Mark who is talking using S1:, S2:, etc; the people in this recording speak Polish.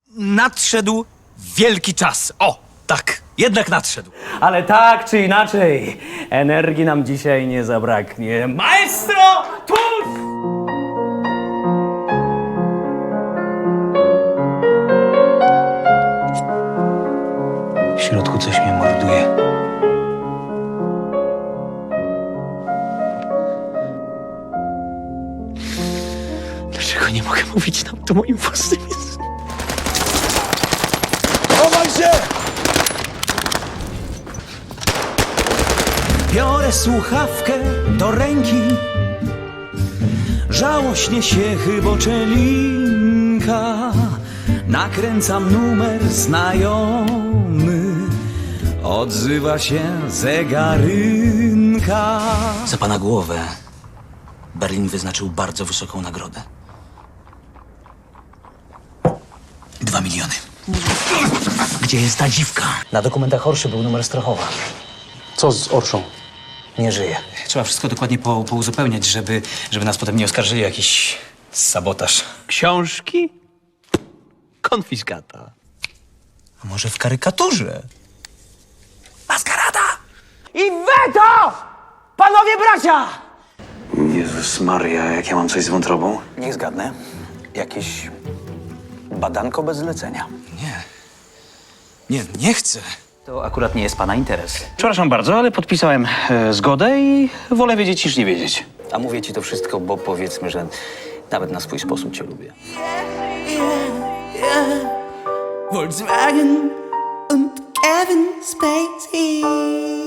S1: nadszedł wielki czas. O, tak, jednak nadszedł.
S2: Ale tak czy inaczej, energii nam dzisiaj nie zabraknie. Maestro, tuż!
S1: W środku coś mnie morduje. Dlaczego nie mogę mówić nam to moim własnym językiem?
S3: Chowaj się!
S4: Biorę słuchawkę do ręki, żałośnie się chyboczęlinka. Nakręcam numer znajomy, odzywa się zegarynka.
S1: Za pana głowę Berlin wyznaczył bardzo wysoką nagrodę. 2 miliony. Gdzie jest ta dziwka?
S5: Na dokumentach Orszy był numer Strachowa.
S6: Co z Orszą?
S5: Nie żyje.
S1: Trzeba wszystko dokładnie pouzupełniać, żeby nas potem nie oskarżyli o jakiś sabotaż.
S2: Książki? Konfiskata.
S1: A może w karykaturze? Maskarada!
S2: I weto! Panowie bracia!
S5: Jezus Maria, jak ja mam coś z wątrobą? Niech zgadnę. Jakieś badanko bez zlecenia.
S1: Nie chcę.
S5: To akurat nie jest pana interes.
S6: Przepraszam bardzo, ale podpisałem zgodę i wolę wiedzieć niż nie wiedzieć.
S5: A mówię ci to wszystko, bo powiedzmy, że nawet na swój sposób cię lubię.
S7: Volkswagen und Kevin Spacey.